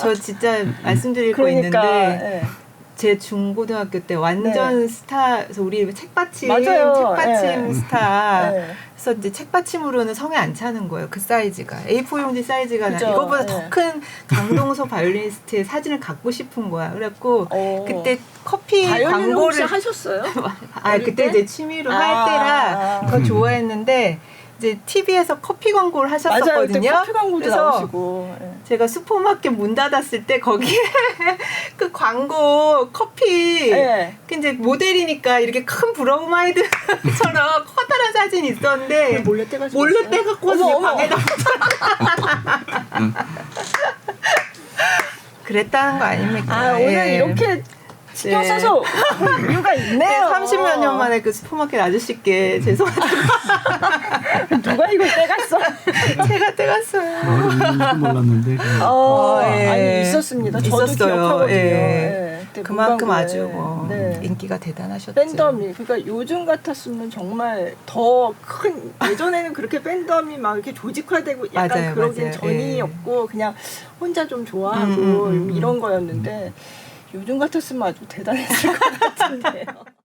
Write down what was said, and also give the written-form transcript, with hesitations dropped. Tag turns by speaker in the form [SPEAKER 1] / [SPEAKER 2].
[SPEAKER 1] 저 진짜 말씀드릴 거
[SPEAKER 2] 그러니까,
[SPEAKER 1] 있는데
[SPEAKER 2] 예.
[SPEAKER 1] 제 중고등학교 때 완전 스타, 그래서 우리 책받침
[SPEAKER 2] 맞아요.
[SPEAKER 1] 예. 스타.
[SPEAKER 2] 예.
[SPEAKER 1] 그래서 이제 책받침으로는 성에 안 차는 거예요. 그 사이즈가 A4 용지 사이즈가
[SPEAKER 2] 그죠.
[SPEAKER 1] 이거보다
[SPEAKER 2] 예.
[SPEAKER 1] 더 큰 강동서 바이올리니스트의 사진을 갖고 싶은 거야. 그래갖고
[SPEAKER 2] 오.
[SPEAKER 1] 그때 커피
[SPEAKER 2] 바이올린 혹시
[SPEAKER 1] 광고를
[SPEAKER 2] 하셨어요?
[SPEAKER 1] 그때 이제 취미로 할 때라 더 좋아했는데 이제 TV에서 커피 광고를 하셨었거든요.
[SPEAKER 2] 맞아요. 그때 커피 광고도
[SPEAKER 1] 그래서
[SPEAKER 2] 나오시고. 예.
[SPEAKER 1] 제가 슈퍼마켓 문 닫았을 때 거기에 그 광고 커피
[SPEAKER 2] 예.
[SPEAKER 1] 그 이제 모델이니까 이렇게 큰 브로마이드처럼 커다란 사진이 있었는데
[SPEAKER 2] 몰래 떼가지고
[SPEAKER 1] 몰래 떼갖고 와서
[SPEAKER 2] 어머, 어머.
[SPEAKER 1] 방에다 그랬다는 거 아닙니까?
[SPEAKER 2] 오늘
[SPEAKER 1] 예.
[SPEAKER 2] 이렇게 신경
[SPEAKER 1] 네.
[SPEAKER 2] 써서 올 이유가 있네요.
[SPEAKER 1] 30몇 년 만에 그 슈퍼마켓 아저씨께 죄송하다고
[SPEAKER 2] 누가 이걸 떼갔어?
[SPEAKER 1] 제가 떼갔어요.
[SPEAKER 3] 있는지도 몰랐는데.
[SPEAKER 1] 예.
[SPEAKER 2] 아니 있었습니다. 저도
[SPEAKER 1] 있었어요.
[SPEAKER 2] 기억하거든요.
[SPEAKER 1] 예.
[SPEAKER 2] 예. 그때
[SPEAKER 1] 그만큼
[SPEAKER 2] 문방구에.
[SPEAKER 1] 아주 뭐
[SPEAKER 2] 네.
[SPEAKER 1] 인기가 대단하셨죠.
[SPEAKER 2] 팬덤이 그러니까 요즘 같았으면 정말 더 큰 예전에는 그렇게 팬덤이 막 이렇게 조직화되고 약간
[SPEAKER 1] 맞아요,
[SPEAKER 2] 그러긴
[SPEAKER 1] 맞아요.
[SPEAKER 2] 전이었고 그냥 혼자 좀 좋아하고 이런 거였는데 요즘 같았으면 아주 대단했을 것 같은데요.